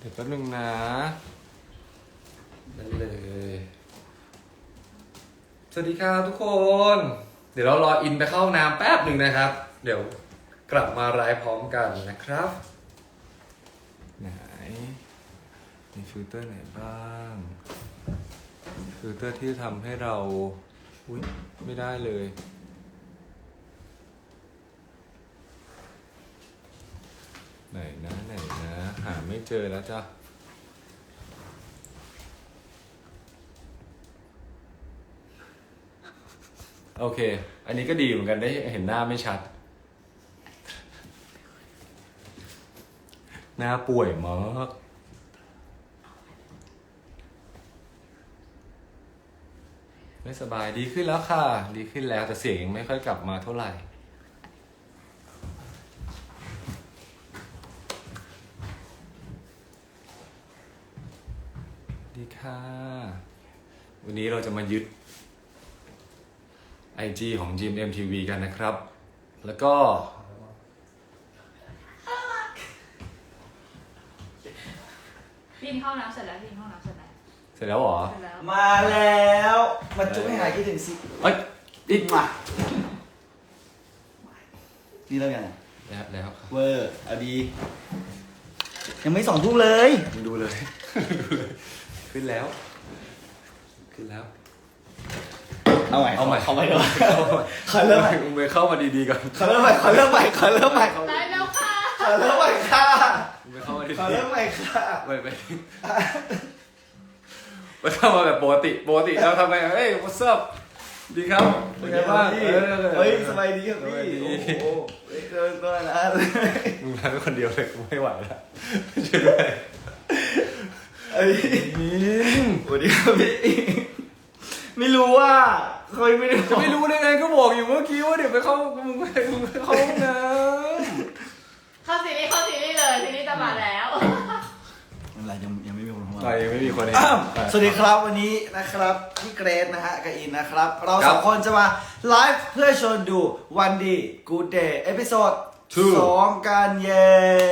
ดี๋ยวแป๊บนึงนะนั่นเลย สวัสดีครับทุกคน เดี๋ยวเรารออินไปเข้าห้องน้ำแป๊บหนึ่งนะครับ เดี๋ยวกลับมาไลฟ์พร้อมกันนะครับไหนมีฟิลเตอร์ไหนบ้างฟิลเตอร์ที่ทำให้เราอุ๊ยไม่ได้เลยไหนนะหาไม่เจอแล้วจ้ะโอเคอันนี้ก็ดีเหมือนกันได้เห็นหน้าไม่ชัดหน้าป่วยมากไม่สบายดีขึ้นแล้วค่ะดีขึ้นแล้วแต่เสียงยังไม่ค่อยกลับมาเท่าไหร่ดีค่ะวันนี้เราจะมายึด IG ของ GMMTV กันนะครับ แล้วก็พี่เข้าน้ำเสร็จแล้วพี่เข้าน้ำเสร็จแล้วเสร็จแล้วเหรอเสร็จแล้วมาแล้วมาจุ๊บให้หายคิดถึงสิเอ้ยอีกมานี่เริ่มยังไงแล้วครับเวอร์เอาดียังไม่2 ทุ่มเลยมึงดูเลย ดูเลยขึ้นแล้วเอาใหม่เอาใหม่เดี๋ยวขอเริ่มใหม่มึงไปเข้ามาดีๆก่อนขอเริ่มใหม่ได้แล้วค่ะขอเริ่มใหม่ค่ะมึงไปเข้ามาดีขอเริ่มใหม่ค่ะๆไปเข้ามาแบบปกติเราทำไงเฮ้ย what's up ดีครับเป็นไงบ้างเฮ้ยสบายดีครับสบายพี่ดีโอ้โหเกินตัวนะมึงมาเป็นคนเดียวเลยกูไม่ไหวแล้วช่วยด้วยเอ้ยสวัสดีครับพี่ไม่รู้ว่าเคยไม่ได้จะไม่รู้ได้ไงก็บอกอยู่เมื่อกี้ว่าเดี๋ยวไปเข้ามึงไปเข้าห้องน้เข้าซีรีส์เลยซีรีส์จะมาแล้วอะไรยังไม่มีคนเข้าำมาไปไม่มีคนเห็นสวัสดีครับวันนี้นะครับพี่เกรซนะฮะกับอินนะครับ เราครัสบองคนจะมาไลฟ์เพื่อชวนดูวันดีกูเดย์เอพิโซด Two 2กันเย้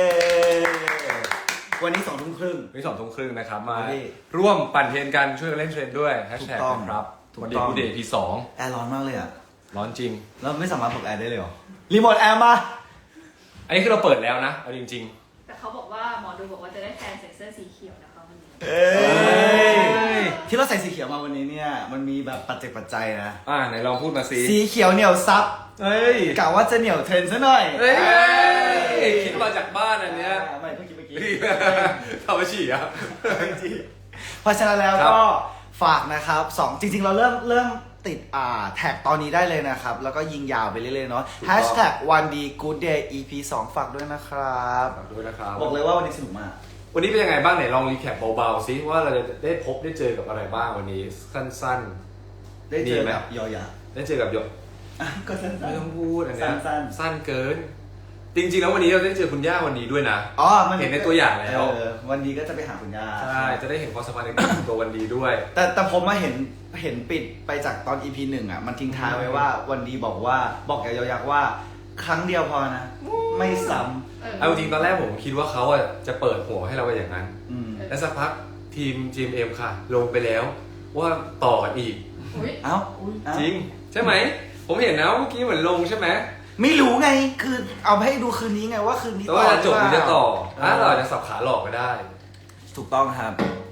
วันนี้2 ทุ่มครึ่งวันนี้2 ทุ่มครึ่งนะครับมาวันนี้ร่วมปั่นเทรนกันช่วยกันเล่นเทรนด้วยแฮชแท็กถูกต้องนะครับถูกวันดีต้องกูเดย์พี2 แอร์ร้อนมากเลยอ่ะร้อนจริงเราไม่สามารถปลดแอร์ได้เลยเหรอรีโมทแอร์มาอันนี้คือเราเปิดแล้วนะเอาจริงแต่เขาบอกว่าหมอดูบอกว่าจะได้แทนใส่เสื้อสีเขียวนะคะวันนี้เอ้ยยที่เราใส่สีเขียวมาวันนี้เนี่ยมันมีแบบปัจจัยนะไหนลองพูดมาสิสีเขียวเหนียวซับเฮ้ยกะว่าจะเหนียวเทรนด์ซะหน่อยเฮ้ยคิดมาจากบ้านอันเนี้ยไม่เพิ่งกินเมื่อกี้ทำมาฉี่อ่ะเพราะฉะนั้นแล้วครับก็ฝากนะครับจริงๆเราเริ่มติดแท็กตอนนี้ได้เลยนะครับ แล้วก็ยิงยาวไปเรื่อยๆเนาะ Hashtag วันดี Good Day EP 2 ฝากด้วยนะครับฝากด้วยนะครับบอกเลยว่าวันนี้สนุกมากวันนี้เป็นยังไงบ้างไหนลองรีแคปเบาๆซิว่าเราจะได้พบได้เจอกับอะไรบ้างวันนี้สั้นได้เจอดีไหมกับยอยาๆได้เจอกับหยกก็สั้นไม่ต้องพูดอันเนี้ยสั้นสั้นเกิน จริงๆแล้ววันนี้เราได้เจอคุณย่าวันนี้ด้วยนะๆอ๋อมันเห็นในตัวอย่างแล้ววันนี้ก็จะไปหาคุณย่าใช่จะได้เห็นความสัมพันธ์ในตัววันดีด้วยแต่ผมมาเห็นปิดไปจากตอน EP 1อ่ะมันทิ้งท้ายไว้ว่าวันดีบอกกับยอยักษ์ว่าครั้งเดียวพอนะ ไม่ซ้ำเอาจริงๆตอนแรกผมคิดว่าเขาจะเปิดหัวให้เราไปอย่างนั้นอืมแล้วสักพักทีม GMM ค่ะ ลงไปแล้วว่าต่อกันอีกอุ้ยเอ้าจริง ใช่ไหม ผมเห็นนะเมื่อกี้เหมือนลงใช่ไหมไม่รู้ไงคือเอาให้ดูคืนนี้ไงว่าคืนนี้แต่ว่าจะจบหรือจะต่อหรือเปล่าเราอาจจะสับขาหลอกก็ได้ถูกต้องครับ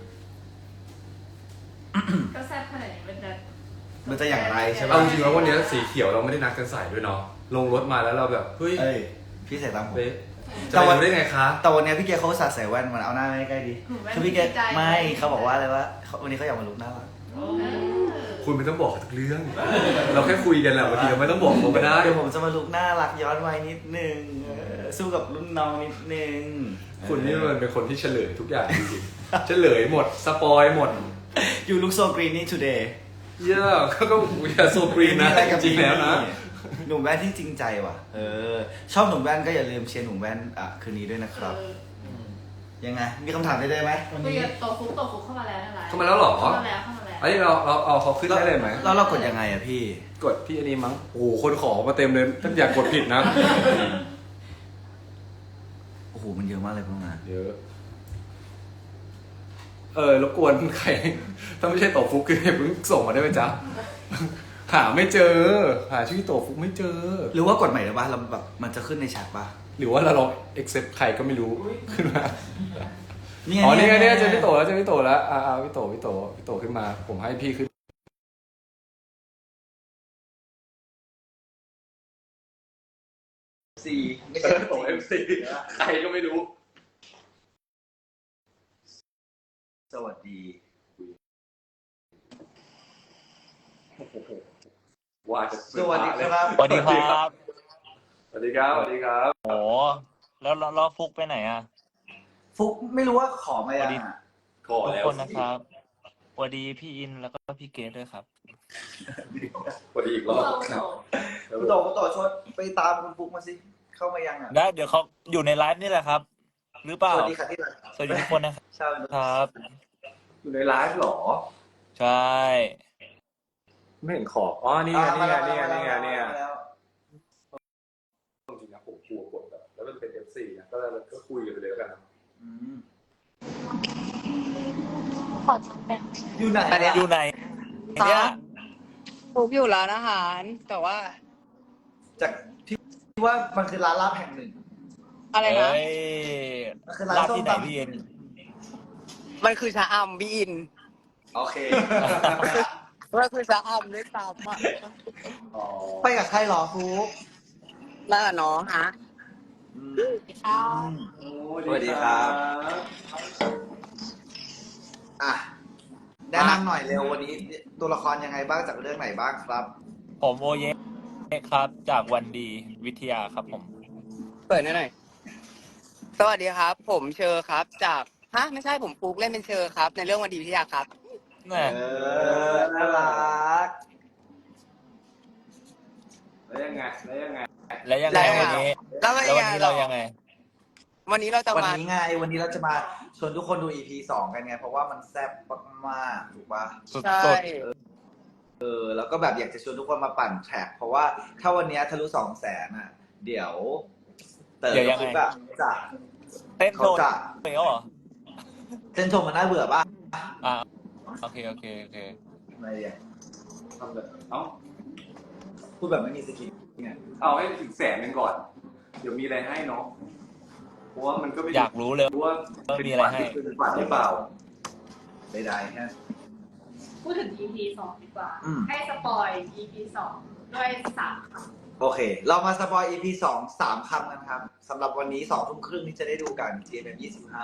ก็แซ่บขนาดนี้มันจะอย่างไรใช่ปะเอาจริงๆแล้ววันนี้สีเขียวเราไม่ได้นัดกันใส่ด้วยเนาะลงรถมาแล้วเราแบบเฮ้ยเอ้ยพี่ใส่ตามผมเป๊ะจะไปรู้ได้ไงคะแต่วันนี้พี่เกเขาอุตสาห์ใส่แว่นมันเอาหน้าใกล้ๆดิคือพี่เกไม่เขาบอกว่าอะไรวะวันนี้เขาอยากมาลุกหน้ารักคุณไม่ต้องบอกทุกเรื่อง เราแค่คุยกันแหละบางทีเราไม่ต้องบอกเขาก็ได้เดี๋ยวผมจะมาลุกหน้ารักย้อนวัยนิดนึงสู้กับรุ่นน้องนิดนึงคุณนี่มันเป็นคนที่เฉลยทุกอย่างจริงๆเฉลยหมดสปอยหมด You look so greeny today เยอะก็อย่าโซกรีนนะจริงๆแล้วนะหนุ่มแว่นที่จริงใจว่ะชอบหนุ่มแว่นก็อย่าลืมเชียร์หนุ่มแว่นคืนนี้ด้วยนะครับยังไงมีคำถามได้ไหมวันคุยนี้กับโตฟุกเข้ามาแล้วนะเข้ามาแล้วเหรอเข้ามาแล้วอันนี้เราเอาเขาขึ้นได้เลยไหมแล้วเรากดยังไงอะพี่กดที่อันนี้มั้งโอ้โหคนขอมาเต็มเลยท่านอยากกดผิดนะโอ้โหมันเยอะมากเลยพวกนั้นเยอะรบกวนใคร ถ้าไม่ใช่โตฟุกคือเพิ่งส่งมาได้ไหมจ๊ะ หาไม่เจอ หาชื่อโตฟุกไม่เจอหรือว่ากดใหม่ได้ป่ะเราแบบมันจะขึ้นในแชทป่ะหรือว่าเราลอง accept ใครก็ไม่รู้ขึ้นมานี่อ๋อนี่ไงเนี่ยเจอพี่โตแล้วพี่โตขึ้นมา ผมให้พี่ขึ้นไม่ใช่โต MC ใครก็ไม่รู้สวัสดีว่าจะสวัสดีครับสวัสดีครับสวัสดีครับ สวัสดีครับโอ้แล้วฟุกไปไหนอ่ะฟุกไม่รู้ว่าขอมายังอะขอทุกแล้วคนนะครับสวัสดีพี่อินแล้วก็พี่เกดด้วยครับสวัสดีอีกรพวอก บเราคุณโตคุณโตชดไปตามคุณฟุกมาสิ เข้ามายังอ่ะได้เดี๋ยวเขาอยู่ในไลฟ์นี่แหละครับ หรือเปล่าสวัสดีค่ะที่รักสวัสดีทุกคนนะครับชาวครับอยู่ในไลฟ์เหรอใช่ไม่เห็นขอบอ๋อนี่ไงนี่ไงนี่ไงนี่ไงนี่ไงมาแล้วจริงๆนะผมกลัวกดแบบแล้วมันเป็น FC นะก็คุยกันไปเลยแล้วกันนะอืมขอทำแบบอยู่ไหนอยู่ไหนเนี่ยฟุกอยู่ร้านอาหาร แต่ว่าจากที่ว่ามันคือร้านลาบแห่งหนึ่งอะไรนะเอ้ยมันคือร้านร้านส้มที่ไหนตำพี่อินมันคือชะอำพี่อินโอเคมันคือชะอำด้วยซ้ำอ่ะอ๋อไปกับใครหรอฟุกน่าเนาะฮะอืมข้าวสวัสดีครับ อ่ะแนะนำหน่อยเร็ววันนี้ตัวละครยังไงบ้างจากเรื่องไหนบ้างครับผมโอเยครับ จากวันดีวิทยาครับผมเปิดหน่อย สวัสดีครับ ผมเชอร์ครับ จากฮะไม่ใช่ผมฟุกเล่นเป็นเชอร์ครับ ในเรื่องวันดีวิทยาครับแน่น่ารักแล้วยังไงแล้วยังไงแล้วยังวันไงนี้แล้วเป็นแล้ววันไงนี้หรเราอยังไงวันนี้เราจะวันมานี้ไง วันนี้เราจะมาชวนทุกคนดู EP 2 กันไง เพราะว่ามันแซ่บมากๆถูกปะสุดใช่แล้วก็แบบอยากจะชวนทุกคนมาปั่นแทร็กเพราะว่าถ้าวันนี้ทะลุ200,000อ่ะ เดี๋ยวเต๋อกับฟุกอะจะๆเต้นเขาโดนจะไปแล้วเหรอเส้นชมมันน่าเบื่อป่ะอ่าโอเคอะไรเนี่ยทำแบบเอ้าพูดแบบไม่มีสกิลเนี่ยเอาให้ถึง100,000ก่อน เดี๋ยวมีอะไรให้เนาะเพราะว่ามันก็ไม่อยากรู้เลยรู้ว่ามีอะไรให้เป็นฝันหรือเปล่าได้ๆฮะพูดถึง EP 2 ดีกว่าอืมให้สปอย EP 2 ด้วย3 คำโอเค เรามาสปอย EP 3 คำกันครับสำหรับวันนี้2 ทุ่มครึ่งนี้จะได้ดูกัน GMM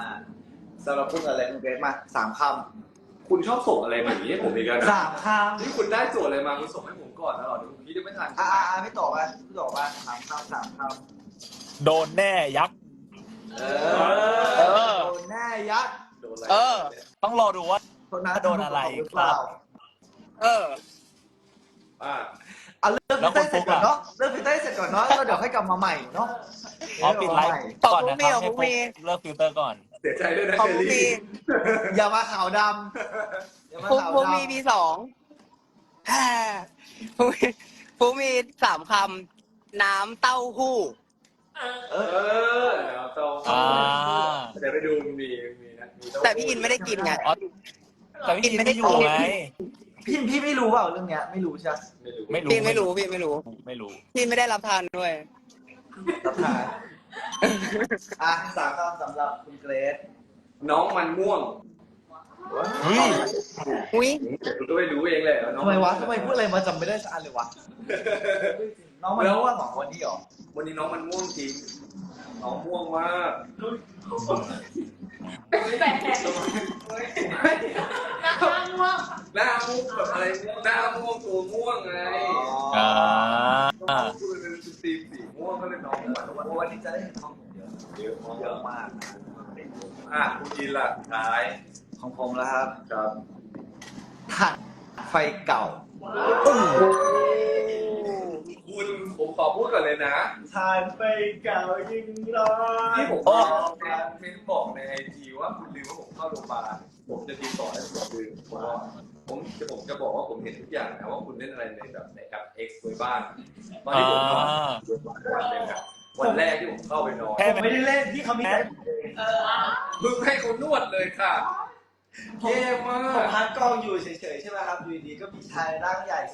25สำหรับพูดอะไรคุณเกรซมา3 คำคุณชอบส่งอะไรมาอย่างนี้ให้ผมอีกแล้วนะ 3 คำนี่คุณได้โจทย์อะไรมาคุณส่งให้ผมก่อนนะหรอเดี๋ยวผมคิดจะไม่ทันไม่ตอบอ่ะไม่ตอบอ่ะ3 คำโดนแน่ยักษ์เอเออโดนแน่ยัดโดนอะไรเออต้องรอดูว่าคนนั้นโดนอะไรหรือเปล่าเอออ่าเอาเรื่องฟิลเตอร์เสร็จก่อนเนาะเรื่องฟิลเตอร์เสร็จก่อนเนาะแล้วเดี๋ยวค่อยกลับมาใหม่เนาะอ๋อปิดไลฟ์ขอบก่อนคุณนะครับพี่ให้ขอบคุณปุ๊พี่บเลิกฟิลเตอร์ก่อนเสียใจด้วยนะขอบเชอคุณรี่พี่อย่ามาขาวดำอย่ามาฟุกขาวฟุกดำมีพี2แฮ่ฟุกมี3 คำ น้ำเต้าหู้เอเอออแล้วต้องอ่าเดี๋ยวไปดูมีนะมีแต่พี่อินไม่ได้กินไงอ๋อแต่พี่อินไม่ได้อยู่ไงพี่ไม่รู้เปล่าเรื่องเนี้ยไม่รู้ใช่ไหมไม่รู้พี่ไม่รู้พี่ไม่รู้ไม่รู้พี่ไม่ได้รับทานด้วยรับทานอ่ะ3 คำสำหรับคุณเกรซน้องมันม่วงเฮ้ยอุ้ยคุณก็ไปดูเองเลยน้องทำไมวะทำไมพูดอะไรมาจำไม่ได้สักอันเลยวะน้องมันรู้ว่าของวันนี้หรอวันนี้น้องมันม่วงจริงน้องม่วงมากแปลกนะคะง่วงหน้าม่วงแบบอะไรหน้าม่วงตัวม่วงไงอ่าคือเป็นสีม่วงก็เลยน้องมันม่วงวันนี้จะได้เห็นของผมเยอะเยอะเยอะมากอ่ะคุณกินละท้ายของผมแล้วครับครับถ่านไฟเก่าคุณผมขอพูดก่อนเลยนะถ่านไฟเก่ายิ่งร้อนที่ผมบอกเม้นบอกในไอจีว่าคุณลืมว่าผมเข้าโรงพยาบาลผมจะติดต่อให้คุณลืมเพราะว่าผมจะบอกว่าผมเห็นทุกอย่างนะว่าคุณเล่นอะไรในแบบในแอป X ไว้บ้างตอนที่ผมนอนวันหนึ่งอะวันแรกที่ผมเข้าไปนอนแค่ไม่ได้เล่นที่เขามีแต่มึงให้เขานวดเลยค่ะเท่มาผมกพักกองอยู่เฉยๆใช่ไหมครับอยู่ดีๆก็มีชายร่างใหญ่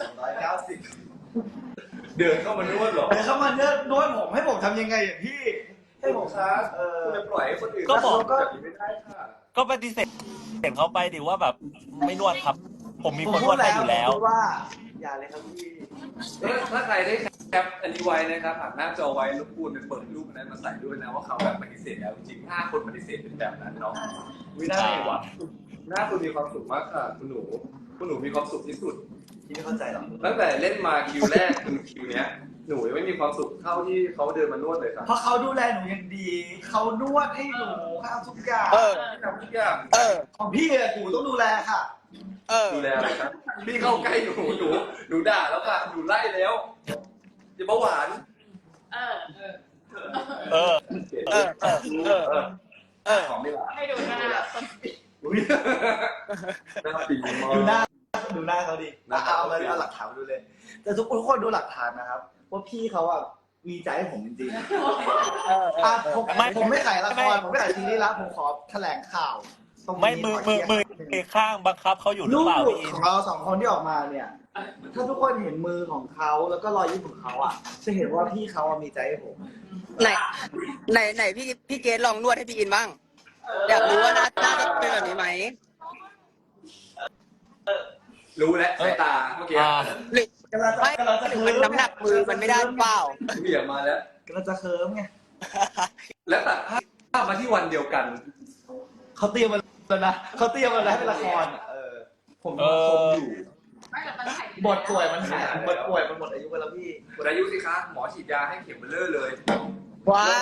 290 เดินเข้ามานวดเหรอแต่เขามาเนื้อนวดผมให้ผมทำยังไงอย่างพี่ให้ผมครับเคุณจะปล่อยให้คนอื่นก็บอกแบบนี้ไม่ได้ค่ะก็ปฏิเสธเขาไปดิว่าแบบไม่นวดครับ ผมมีผมคนนพูวดดให้แล้วอยู่แล้วผมพูดว่าอย่าเลยครับพี่ถ้าใครได้แคปอันนี้ไว้นะครับผ่านหน้าจอไว้รบกวนไปเปิดรูปนั้นมาใส่ด้วยนะว่าเขาแบบปฏิเสธแล้วจริงๆ5 คนปฏิเสธเป็นแบบนั้นเนาะวิน่าไงวะหน้าคุณมีความสุขมากค่ะคุณหนูมีความสุขที่สุดพี่ไม่เข้าใจหรอกตั้งแต่เล่นมาคิวแรกถึงคิวเนี้ยหนูยังไม่มีความสุขเท่าที่เขาเดินมานวดเลยครับเพราะเขาดูแลหนูอย่างดีเขานวดให้หนูข้าวทุกอย่างทำทุกอย่างของพี่อะหนูต้องดูแลค่ะดูแลอะไรครับพี่เข้าใกล้หนูด่าแล้วค่ะหนูไล่แล้วอย่าเบาหวานเออเออของไม่หวานให้ดูหน้าอุ้ยน่าปีมากดูหน้าเขาดิเอาหลักฐานมาดูเลย แต่ทุกคนดูหลักฐานนะครับว่าพี่เขาอะมีใจให้ผมจริงๆผมไม่ขายละครผมไม่ขายซีรีส์ละผมขอแถลงข่าวตรงนี้ไม่มือข้างบังคับเขาอยู่หรือรูเปล่าปพี่อิขนองเราสองคนที่ออกมาเนี่ย ถ้าทุกคนเห็นมือของเขาแล้วก็รอยยิ้มของเขาอ่ะ จะเห็นว่าพี่เขาอะมีใจให้ผมไหนพี่เกดลองนวดให้พี่อินบ้าง อยากรู้ว่าหน้าจะเป็นแบบนี้ไหมรู้แล้วสายตาเมื่อกี้หรือไม่หรือมันน้ำหนักมือมันไม่ได้หรือเปล่าเบี่ยงมาแล้วกำลังจะเคิร์มไงแล้วตัดภาพมาที่วันเดียวกันเขาเตรียมมาแล้วนะเขาเตรียมมาแล้วให้เป็นละครอะผมชมอยู่ไม่แต่มันถ่ายบทป่วยมันหายบทป่วยมันหมดอายุไปแล้วพี่หมดอายุสิคะหมอฉีดยาให้เข็มเบลเลอร์เลยว้าย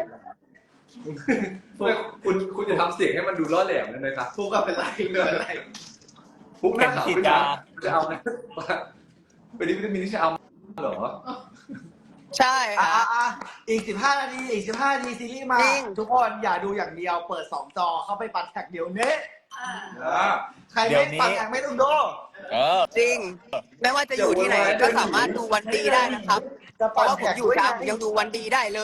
คุณจะทำเสียงให้มันดูล่อแหลมได้ไหมครับทุกข์เป็นไรเงินอะไรปุ๊บหน้าขาวขึ้นมาจะเอานะเป็นวิตามินที่จะเอาเหรอใช่ค่ะอีก15 นาทีอีก15 นาทีซีรีส์มาจริงทุกคนอย่าดูอย่างเดียวเปิด2 จอเข้าไปปัดแท็กเดี๋ยวนี้ใครไม่ปัดแท็กไม่ต้องดูจริง ไม่ว่าจะอยู่ที่ไหนก็สามารถดูวันดีได้นะครับจะเพปัราะดว่าผแท็มกอยู่จ้าผมยังดูวันดีได้เลย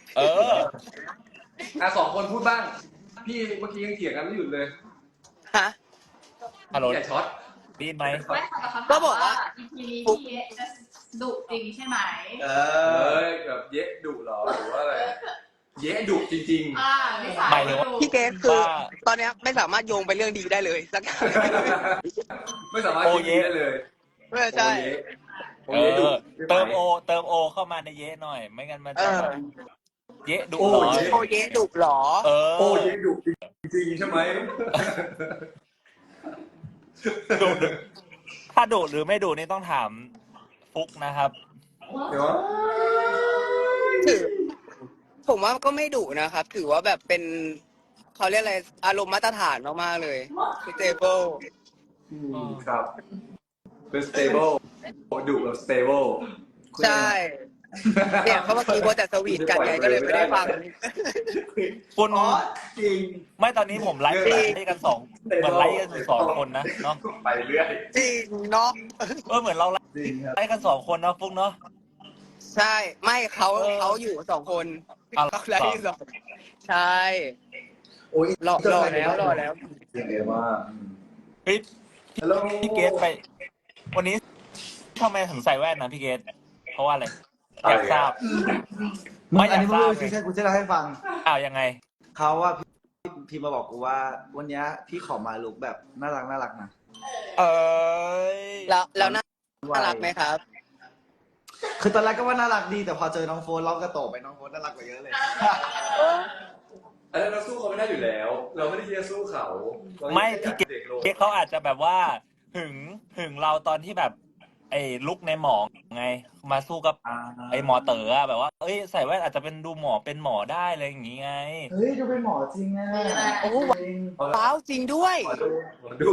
2 คนพูดบ้าง พี่เมื่อกี้ยังเถียงกันไม่หยุดเลยฮะฮัลโหลอย่าช็อตได้ยินไหมไม่ค่ะแต่เขาก็บอกว่าอีพีนี้พี่จะดุจริงใช่ไหมแบบเยะดุเหรอหรือว่าอะไร เยะดุจริงนิสัยหมายถึงว่าพี่เกดคือตอนเนี้ยไม่สามารถโยงไปเรื่องดีได้เลยสักอย่างๆ ไม่สามารถคิดได้เลยใช่โอเยะดุเติมโอเข้ามาในเยะหน่อย ไม่งั้นมันจะแบบเยะดุโอ้ร้อยโอเยดุหรอโอ้เยะดุจริงๆใช่ไหมดุถ้าดุหรือไม่ดุนี่ต้องถามฟุกนะครับเดี๋ยวถือผมว่าก็ไม่ดุนะครับ ถือว่าแบบเป็นเขาเรียกอะไรอารมณ์มาตรฐานมากๆเลย stable ครับ เป็น stable ดุแบบ stable ใช่เนี่ยเขาเมื่อกี้ว่าแต่สวีทกันไงก็เลยไม่ได้ฟังคุณจริงไม่ตอนนี้ผมไลฟ์กันเหมือนไลฟ์กันอยู่2 คนนะเนาะไปเรื่อยจริงเนาะเหมือนเราไลจริงครับฟ์กัน2 คนนะฟุกเนาะใช่ไม่เขาอยู่2 คนเอาเขาไลฟ์สองใช่โอ้ยรอแล้วเรียกว่าเฮ้ยฮัลโหลพี่เกตไป วันนี้ทำไมถึงใส่แว่นนะพี่เกตเพราะว่าอะไรอยากทราบ ไม่อยากอันนี้ทราบไม่รู้ใช่กูจะเล่าให้ฟังยังไงเขาว่าพี่มาบอกกูว่าวันนี้พี่ขอมาลุกแบบน่ารักนะเอ้ยแล้วน่ารักไหมครับคือตอนแรกก็ว่าน่ารักดีแต่พอเจอน้องโฟนเราก็โตไปน้องโฟนน่ารักกว่าเยอะเลยอันนั้นเราสู้เขาไม่ได้อยู่แล้ว เราไม่ได้ที่จะสู้เขาไม่พี่เกด็กลงตเขาอาจจะแบบว่าหึงเราตอนที่แบบ ไอ้ลุกในหมอไง มาสู้กับไอ้หมอเต๋ออะแบบว่าเอ้ยใส่แว่นอาจจะเป็นดูหมอเป็นหมอได้เลยอย่างงี้ไงเฮ้ยดูเป็นหมอจริงนะโอ้ว้าวจริงด้วยขอดู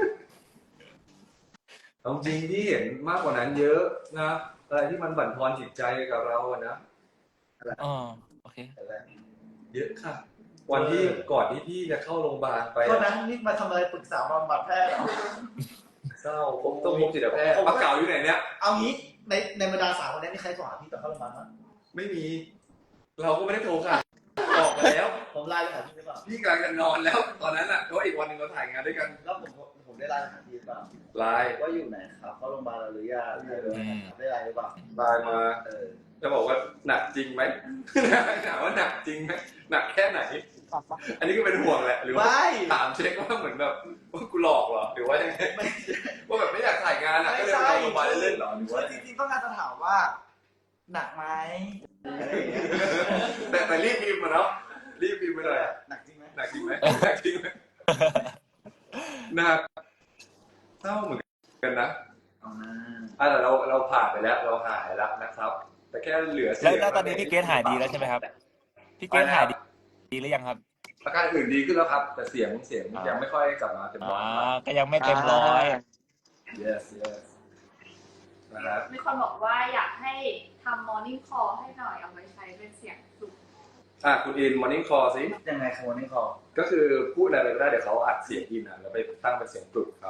เอาจริงที่เห็นมากกว่านั้นเยอะนะอะไรที่มันบั่นทอนจิตใจกับเราอะนะโอเคเยอะค่ะ วันที่ก่อนที่พี่จะเข้าโรงพยาบาลไปก็นั้นนี่มาทำอะไรปรึกษาบำบัดแพทย์เหรอเศร้าผมต้องพบจิตแพทย์ปากเก่าอยู่ไหนเนี่ยเอางี้ในบรรดา3 คนนี้มีใครโทรหาพี่ตอนเข้าโรงพยาบาลมั้ยไม่มี เราก็ไม่ได้โทรค่ะบอกไปแล้วผมไลน์ไปหาพี่หรือเปล่าพี่กำลังจะนอนแล้วตอนนั้นอ่ะเพราะอีกวันหนึ่งเราถ่ายงานด้วยกันแล้วผมได้ไลน์ไปหาพี่หรือเปล่าไลน์ว่าอยู่ไหนครับเข้าโรงพยาบาลแล้วหรือยังได้ไลน์หรือเปล่าไลน์มา จะบอกว่าหนักจริงไหม ถามว่าหนักจริงไหมหนักแค่ไหน อันนี้ก็เป็นห่วงแหละหรือว่าไม่ถามเช็คว่าเหมือนแบบว่ากูหลอกเหรอหรือว่ายังไงว่าแบบไม่อยากถ่ายงานอ่ะก็เลยไปโรงพยาบาลเล่นๆเหรอหรือคือว่าจริงๆต้องการจะถามว่า หนักไหมอะไรอย่างเงี้ยแต่รีบพิมพ์มาเนาะรีบพิมพ์ไปหน่อยหนักจริงไหมหนักจริงไหมหนักจริงไหมหนักเศร้าเหมือนกันนะเอานะแต่เราผ่านไปแล้วเราหายแล้วนะครับ แต่แค่เหลือเสียงแล้วตอนนี้พี่เกรทหายดีแล้วใช่ไหมครับพี่เกรทหายดีหรือยังครับอาการอื่นดีขึ้นแล้วครับ แต่เสียงยังไม่ค่อยกลับมาเต็มร้อยก็ยังไม่เต็มร้อย yes นะครับมีคนบอกว่าอยากให้ทำ morning call ให้หน่อยเอาไว้ใช้เป็นเสียงสุขคุณอิน morning call สิยังไงครับวันนี้ขอก็คือพูดอะไรไปก็ได้เดี๋ยวเขาอัดเสียงอินแล้วไปตั้งเป็นเสียงปลุกเขา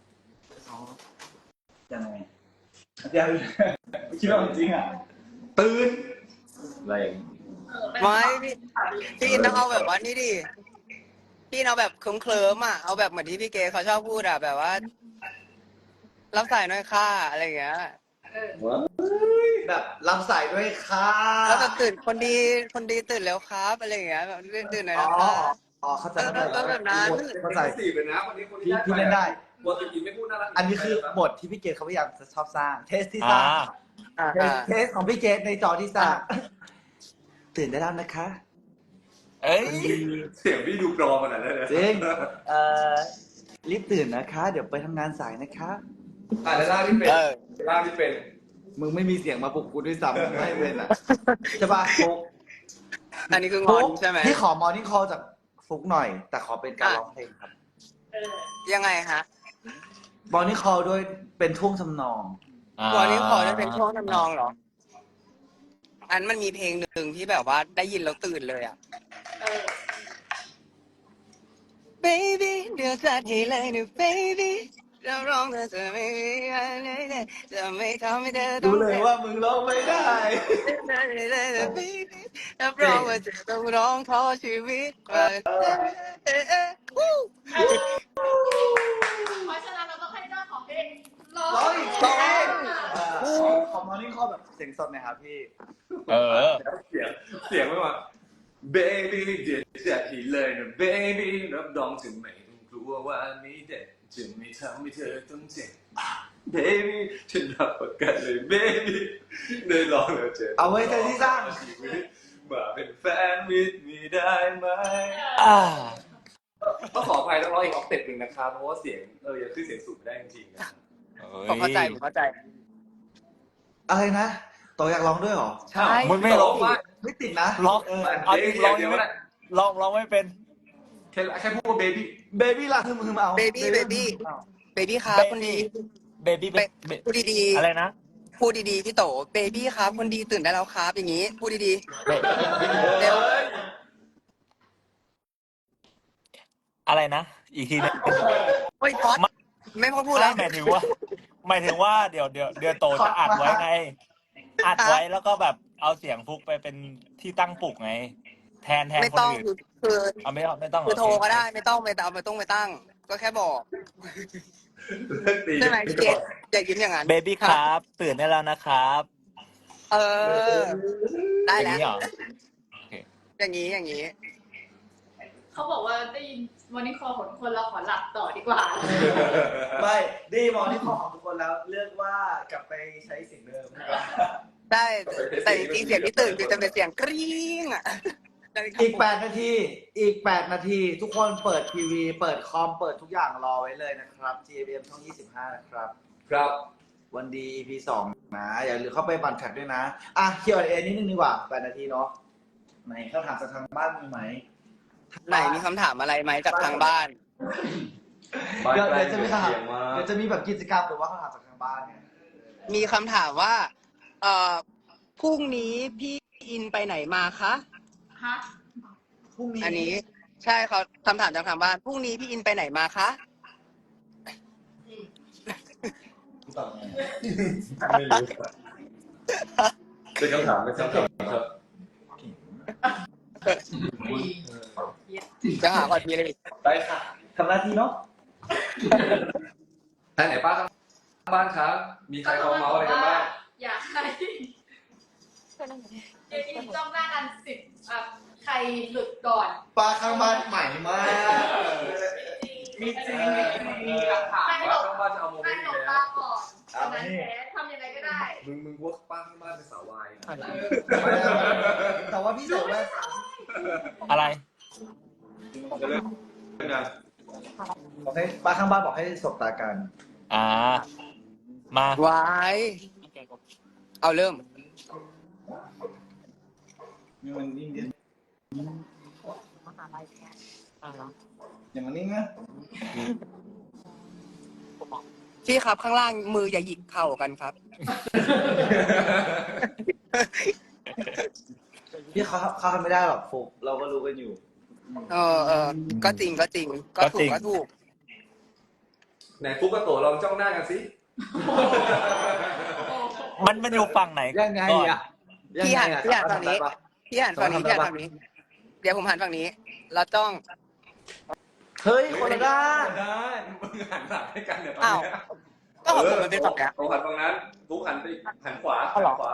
ยังไงยังคิดว่าจริงอ่ะตื่นอะไรอย่างนี้ไม่พี่อินต้องเอาแบบว่านี่ดิพี่เอาแบบเคลิ้มๆอ่ะเอาแบบเหมือนที่พี่เกเขาชอบพูดอ่ะแบบว่ารับสายหน่อยค่ะอะไรอย่างเงี้ยแบบรับสายด้วยค่ะแล้วแบบตื่นคนดีตื่นแล้วครับอะไรอย่างเงี้ยแบบตื่นหน่อยอ๋อนะคะอ๋อเข้าใจก็แบบนั้นเข้าใจสี่เลยนะคนนี้คนพี่เล่นได้บทอินไม่พูดน่ารักอันนี้คือบทที่พี่เกดเขาพยายามจะชอบสร้าง เทสที่สอ่าร้าง เทสของพี่เกดในจอที่สร้าง ตื่นได้แล้วนะคะเอ้ยเสียงพี่ดูปลอมขนาดนั้นเลยจริงรีบตื่นนะคะ เดี๋ยวไปทำงานสายนะคะแล้วล่าที่เป็นเออล่าที่เป็นมึงไม่มีเสียงมาปลุกกูด้วยซ้ำไม่เป็นอ่ะใช่ป่ะฟุกอันนี้คืองอนใช่ไหมพี่ขอมอร์นิ่งคอลจากฟุกหน่อย แต่ขอเป็นการร้องเพลงครับยังไงฮะมอร์นิ่งคอลด้วยเป็นท่วงทำนองวันนี้ขอจะเป็นช่วงทำนองเหรอ อันมันมีเพลงหนึ่งที่แบบว่าได้ยินแล้วตื่นเลยอ่ะ baby เดี๋ยวจัดให้เลยนะ baby เราร้องเธอจะไม่มีอะไรเลยจะไม่ทำให้เธอต้ดูองเลยว่ามึงร้องไม่ได้ baby รับรองว่าจะต้องร้องขอชีวิตมาเพราะฉะนั้นเราต้องให้เจ้าของเพลงร้อร้องงอีกร้องขอมอร์นิ่งคอลแบบเสียงสดหน่อยครับพี่เออเสียงไม่มา baby เดี๋ยวจะอีเลยนะ baby รับรองถึงไม่ต้องกลัวว่านี้เด็ดจะไม่ทำให้เธอต้องเจ็บ baby ฉันรับประกันเลย baby ได้ลองแล้วเจ็บเอาไว้ใจที่สร้างมาเป็นแฟนมิตรมีได้ไหม ต้องขออภัยต้องร้องอีกออกเต็ปหนึ่งนะครับเพราะว่าเสียงยังขึ้นเสียงสูงไม่ได้จริงๆนะผมเข้าใจผมเข้าใจอะไรนะต่ออยากร้องด้วยเหรอใช่มันไม่ร้องว่าไม่ติดนะร้อง เอาเดี๋จยวริงร้องเดี๋ยัยวงไม่นะร้องไม่เป็นแค่พูดว่า baby เบบี้ล่ะคือมึงเอา baby baby ครับคนดีเบบี้พูดดีอะไรนะๆพูดดีๆพี่โต baby ครับคนดีตื่นได้แล้วครับอย่างนี้ พูดดีๆเร็วอะไรนะ อีกทีนึงเฮ้ยพอดไม่พอพูดแล้วหมายถึงว่าเดี๋ยวโตจะอัดไว้ไง อัดไว้แล้วก็แบบเอาเสียงฟุกไปเป็นที่ตั้งปลุกไง แทนไม่คนต้องอื่นคือเอาไม่ต้องคือโทรก็ได้ไม่ต้องไปตั้ง ก็แค่บอกเลิกตีใช่ไหมพี่เกดอย่ายิ้มอย่างนั้นเบบี้ครับ ตื่นได้แล้วนะครับเออ ได้อย่าแล้วงนี้เหรออย่างนี้เขาบอกว่าได้ยิน morning call ของทุกคนเราขอหลับต่อดีกว่าไม่ดีมอร์นิ่งคอลของทุกคนแล้วเลือกว่ากลับไปใช้เสียงเดิมดีกว่าได้แต่จริงๆเสียงที่ตื่นคือจะเป็นเสียงกรี๊งอ่ะอีก8 นาที ทุกคนเปิดทีวี เปิดคอม เปิดทุกอย่างรอไว้เลยนะครับ GMM ช่อง 25 นะครับครับวันดี EP 2 นะ อย่าลืมเข้าไปบันแท็กด้วยนะ อ่ะ Q&A นิดนึงดีกว่า 8 นาทีเนาะไหนคำถามจากทางบ้านมีไหมไหนมีคำถามอะไรไหมจากทางบ้านเดี๋ยวจะมีคำถามเสียงมาเดี๋ยวจะมีแบบกิจกรรมหรือว่าคำถามจากทางบ้านเนี่ยมีคำถามว่าพรุ่งนี้พี่อินไปไหนมาคะฮะพรุ่งนี้อันนี้ใช่เขาคำถามจากทางบ้านพรุ่งนี้พี่อินไปไหนมาคะตอบไงไม่รู้เป็นคำถามครับจะหาก่อนทีเลยได้ค่ะทำหน้าที่เนาะท่านไหนป้าข้างบ้านครับ มีใครเขาเมาส์อะไรกันบ้างอยากให้เอ็มจ้องหน้ากันใครหลุดก่อนปลาข้างบ้านใหม่มากมีจริงมีหลักฐานว่าข้างบ้านจะเอาโมเมให้นต์หลนี้บแล้ตาว ก่อนตอนนั้นแพ้ทำยังไงก็ได้มึงว่าป้าข้างบ้านเป็นสาววายนะแต่ว่าพี่ใส่แว่นอะไรจะเลิกนะบอกให้ปลาข้างบ้านบอกให้สบตากันอ่า มาไว้เอาเริ่มมันนิ่งดิอย่างมันนิ่งนะพี่ครับข้างล่างมืออย่าหยิกเข่ากันครับพี่เขาทำไม่ได้หรอกฟุกเราก็รู้กันอยู่ก็จริงก็จริง ก็ถูกก็ถูกไหนฟุกกับโตลองจ้องหน้ากันสิมันอยู่ฝั่งไหนยังไงก่อนอ่ะพี่หันฝั่งนี้ทำได้ปะพี่หันฝั่งนี้พี่หันฝั่งนี้ เดี๋ยวผมหันฝั่งนี้ แล้วต้องเฮ้ยคนละด้านได้มึงหันหลังให้กันเดี๋ยวตอนอ้าวนี้ก็ของผมมันเป็นฝั่งเนี้ยโตหันตรงนั้นฟุกหันไปหันขวาเอาเหรอขวา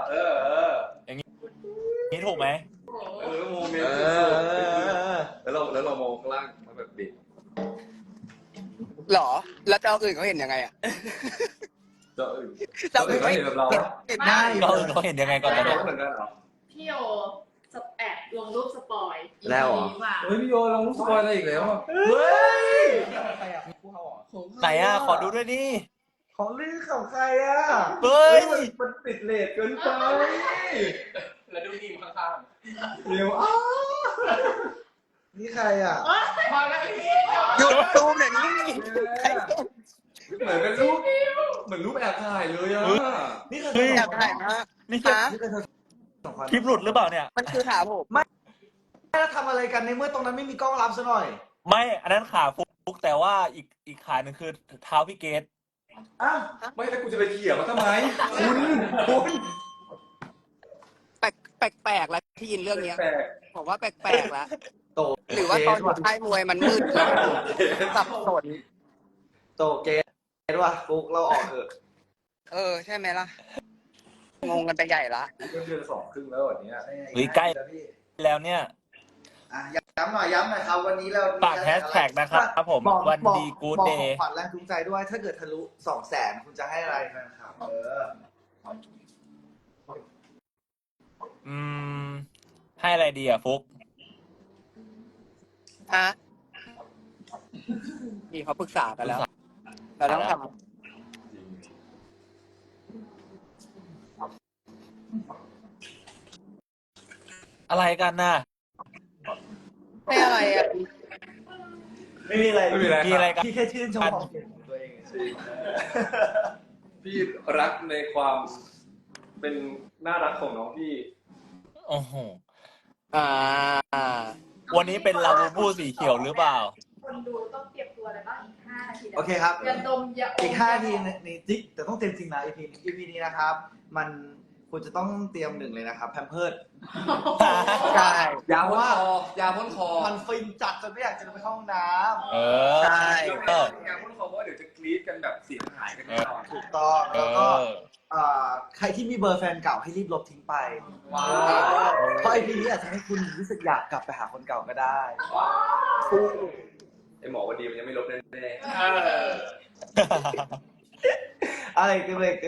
นี่ถูกไหมโมเมนต์แล้วเรามองข้างล่างมันแบบบิดหรอ แล้วเจ้าอื่นเขาเห็นยังไงอ่ะเจ้าอื่นเจ้าอื่นเขาเห็เห็นนแบบเราเห็นได้เขาเห็นยังไงก่อนตอนเรานี้เหมือนกันเหรอพี่โอแอบลงรูปสปอยแล้วเหรอมาเฮ้ยพี่โยเรารู้สปอยอะไรอีกแล้วอ่ะเฮ้ยใครอ่ะผู้เขาเหรอไหนอ่ะ ขอดูด้วยดิของลือของใครอ่ะเฮ้ยมันติดเลทเกินไปแล้วดูทีมข้างเร็วอ้านี่ใครอ่ะมาแล้วพี่หยุดตูมเดี๋ยวนี้เหมือนเป็นรูปเหมือนรูปแอบถ่ายเลยอ่ะนี่คือเฮ้ยอยากถ่ายมากนี่คือฮะนี่คือเธอสองคนคลิปหลุดหรือเปล่าเนี่ยมันคือขาผมแล้วทำอะไรกันในเมื่อตรงนั้นไม่มีกล้องรับซะหน่อยไม่ อันนั้นขาฟุกแต่ว่าอีกขาหนึ่งคือเท้าพี่เกตอ่ะไม่แล้วกูจะไปเขี่ยมันทำไม คุณแปลกแล้วที่ยินเรื่องเนี้ยแปลกผมว่าแปลกแล้วโตหรือว่าตอนอยู่ค่ายมวยมันมืดแล้วสับสนโตเกตว่ะฟุกเราออกเถอะใช่ไหมล่ะ งงกันไปใหญ่ละเดือน2 ครึ่งแล้ววันนี้หรือใกล้ แล้วเนี่ยอ่ะย้ำหน่อยครับ วันนี้เราฝากแฮชแท็กนะครับผมบอกวันดีบกู๊ดอกเดของย์ขวัญแรงจูงใจด้วย ถ้าเกิดทะลุ 200,000 คุณจะให้อะไรนะครับให้อะไรดีอ่ะฟุกฮะนี่เขาปรึกษากันแล้ว เราต้องทอะไรกันน่ะำให้อะไรอ่ะไม่มีอะไรไม่มีอะไรมีอะไรกันพี่แค่ชื่นชมความเก่งของตัวเองเฉยพี่รักในความเป็นน่ารักของน้องพี่โอ้โหอ่าวันนี้เป็นลาบูบูสีเขียวหรือเปล่าคนดูต้องเตรียมตัวอะไรบ้างอีก5 นาทีนะโอเคครับยาดมยาอมอีก5 นาทีในจิ๊กแต่ต้องเต็มจริงนะ EP นี้นะครับ มันคุณจะต้องเตรียม1เลยนะครับแพมเพิร์ดใช่ยาพ่นคอยาพ่นคอมันฟินจัดจนไม่อยากจะไปเข้าห้องน้เออใช่ยาพ่นคอเพราะว่าเดี๋ยวจะกรี๊ดกันแบบเสียงหายกันแน่นอนำถูกต้องเอแล้วก็อใครที่มีเบอร์แฟนเก่าให้รีบลบทิ้งไปว้าวเพราะ EP นี้อาจจะให้คุณรู้สึกอยากกลับไปหาคนเก่าก็ได้ไอหมอวันดีมันยังไม่ลบแน่อะไรเต็มเลย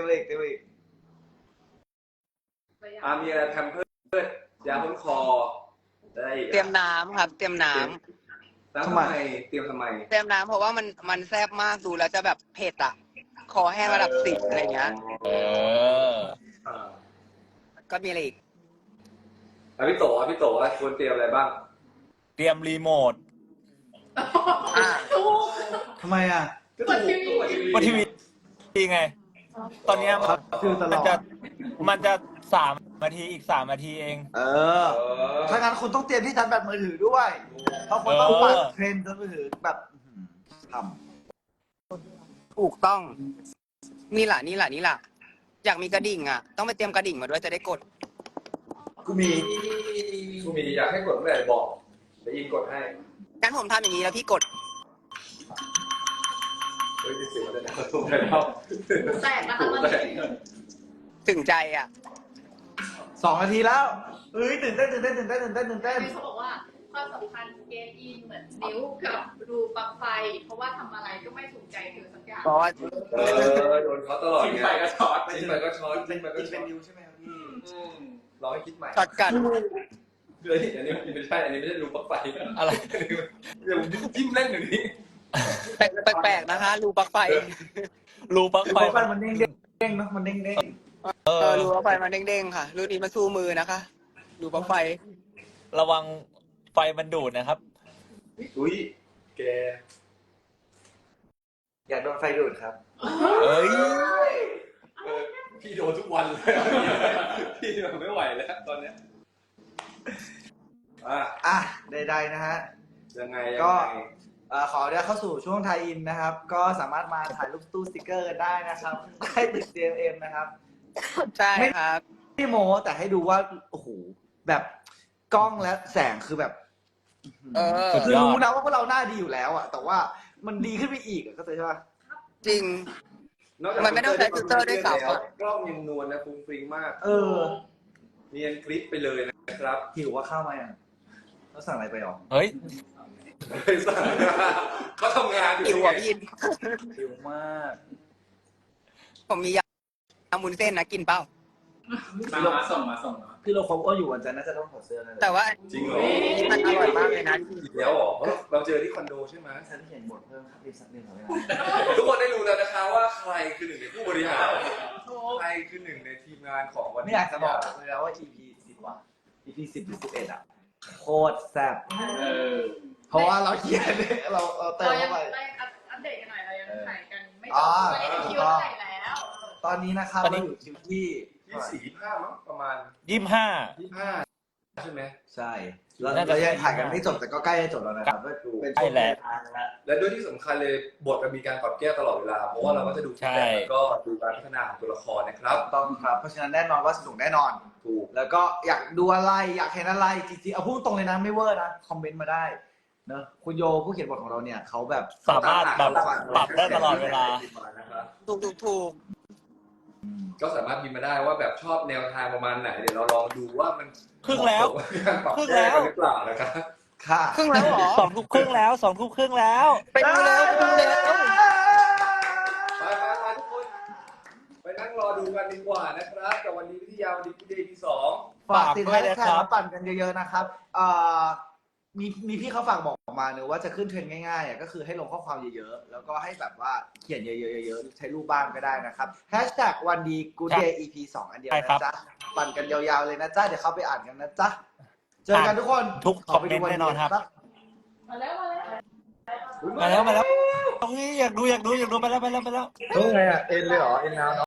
มีอะไรแพมเพิร์ดยาพ่นคอได้อีกเตรียมน้ำครับ เตรียมน้แล้วทำไมเตรียมทำไมำเตรียมน้ำเพราะว่ามันแซ่บมากดูแล้วจะแบบเผ็ดอ่ะ คอแห้งระดับ10อะไรเงี้ยเออก็มีอะไรอีกพี่โตควรเตรียมอะไรบ้างเตรียมรีโมทถูกทำไมอ่ะกดทีวีว่าทีวีไง ตอนเนี้ยฟิลตลอดมันจะ3 นาทีอีก3 นาทีเองถ้างั้นคุณต้องเตรียมที่ชาร์จแบตมือถือด้วย เพราะคุณต้องปัดเทรนด์มือถือแบบทถูกต้อง นี่ล่ะ อยากมีกระดิ่งอ่ะ ต้องไปเตรียมกระดิ่งมาด้วยจะได้กดำกูมีอยากให้กดเมื่อไหร่บอกเดี๋ยวอินกดให้งั้นผมทำอย่างนี้แล้วพี่กดเฮ้ยมีเสียงแล้วนะถูกแล้วแตกนะคะตอนนี้ถึงใจอ่ะ 2 นาทีแล้วเฮ้ยตื่นเต้นเขาบอกว่าความสัมพันธ์เกมอินเหมือนนิ้วกับรูปลั๊กไฟ เพราะว่าทำอะไรก็ไม่ถูกใจเธอสักอย่างเพราะว่าโดนเขาตลอดทิ้งไงไปก็ช็อตทิ้งไปก็ช็อตทิ้งไปก็ช็เป็อน ตนิวใช่ไหมครับพี่รอให้คิดใหม่ช็อตกันเฮ้ยอันนี้ไม่ใช่อันนี้ไม่ใช่รูปลั๊กไฟอะไรเดี๋ยวผมจิ้มเล่นอยู่นี้แปลกๆนะคะ รูปลั๊กไฟรูปลั๊กไฟไฟมันเด้งๆเนาะมันเด้งรูปลั๊กไฟมันเด้งๆค่ะ รุ่นนี้มาสู้มือนะคะ รูปลั๊กไฟระวังไฟมันดูดนะครับอุ้ยแกๆอยากโดนไฟดูดครับเอ้ยพี่โดนทุกวันเลยพี่แบบไม่ไหวแล้วตอนเนี้ยอ่ะใดๆนะฮะยังไงก็ ขอเดี๋ยวเข้าสู่ช่วงไทยอินนะครับ ก็สามารถมาถ่ายรูปตู้สติกเกอร์กันได้นะครับได้ติด CMM นะครับใช่ครับไม่โม้แต่ให้ดูว่าโอ้โหแบบกล้องและแสงคือแบบสุดคือยอดรู้นะว่าพวกเราหน้าดีอยู่แล้วอะแต่ว่ามันดีขึ้นไปอีกอะเข้าใจใช่ปะจริง มันไม่ต้องใช้ฟิลเตอร์ด้วยซ้ำอะกล้องยังนวลนะฟุ้งฟริ้งมาก เนียนกริปไปเลยนะครับหิวว่าข้าวมายังเราสั่งอะไรไปหรอเฮ้ยไม่สั่งเขาทำงานอยู่หิวอ่ะพี่หิวมากผมมียำมุนเส้นนะกินเปล่ามาส่งมาพี่เราคบก็อยู่วันจันทร์น่าจะต้องถอดเสื้อนั่นแหละแต่ว่าจริงเหรอมันอร่อยมากเลยนะอีกแล้วเหรอเพราะเราเจอที่คอนโดใช่ไหมฉันเขียนบทเพิ่มครับรีบสักนิดหน่อยนะทุกคนได้รู้แล้วนะคะว่าใครคือหนึ่งในผู้บริหารใครคือหนึ่งในทีมงานของวันไม่นี้อยากจะบอกเลยนะว่า EP 10 ว่ะ EP 10 หรือ 11 อ่ะโคตรแซ่บเพราะว่าเราเขียนเราเติมเรายัเข้าง ไปอัปเดตกันหน่อยเรายังถ่ายกันไม่จอ๋บอตอนนี้ถึงคิวเท่าไหร่แล้วตอนนี้นะครับตอนนี้เราอยู่คิวที่ 24-25มั้งประมาณ 25 ใช่ไหมใช่เราน่าจะเรายังถ่ายกันไม่จบแต่ก็ใกล้จะจบแล้วนะครับก็เป็นใกล้ช่วงแล้วทางแล้วและด้วยที่สำคัญเลยบทมันมีการปรับแก้ตลอดเวลา เพราะว่าเราก็จะดูใช่แต่แล้วก็ดูการพัฒนาของตัวละครนะครับต้องครับเพราะฉะนั้นแน่นอนว่าสนุกแน่นอนถูกแล้วก็อยากดูอะไรอยากเห็นอะไรจริงๆเอาพูดตรงเลยนะไม่เวอร์นะคอมเมนต์มาได้เนอะคุณโยผู้เขียนบทของเราเนี่ยเขาแบบสามารถแบบปรับได้ตลอดเวลาถูกก็สามารถพิมพ์มาได้ว่าแบบชอบแนวทางประมาณไหนเดี๋ยวเราลองดูว่ามันครึ่งแล้วการปรับแก้กันหรือเปล่านะครับค่ะครึ่งแล้วเหรอ 2 ทุ่มครึ่งแล้ว2 ทุ่มครึ่งแล้วไปดูเร็วไปดูเร็วไปทุกคน ไปนั่งรอดูกันดีกว่านะครับกับวันนี้วิทยาวันนี้พี่เดย์ที่2 ฝากติดฝากด้วยแฮชนะแท็ครักบมาปั่นกันเยอะๆนะครับมีพี่เขาฝากบอกมาเนอะว่าจะขึ้นเทรนด์ง่ายๆอ่ะก็คือให้ลงข้อความเยอะๆ แล้วก็ให้แบบว่าเขียนเยอะๆใช้รูปบ้างก็ได้นะครับแฮชแท็กวันดีกูเดย์ EP 2 อันเดียวใช่ครันะบจ๊ะปั่นกันยาวๆเลยนะจ๊ะเดี๋ยวเข้าไปอ่านกันนะจ๊ะเจอกันทุกคนทุกคอมเมนต์แน่นอนครับมาแล้วมาแล้วเฮ้ยอยากดูไปแล้วเฮ้ยไงอ่ะเอ็นเลยเหรอเอ็นแล้ว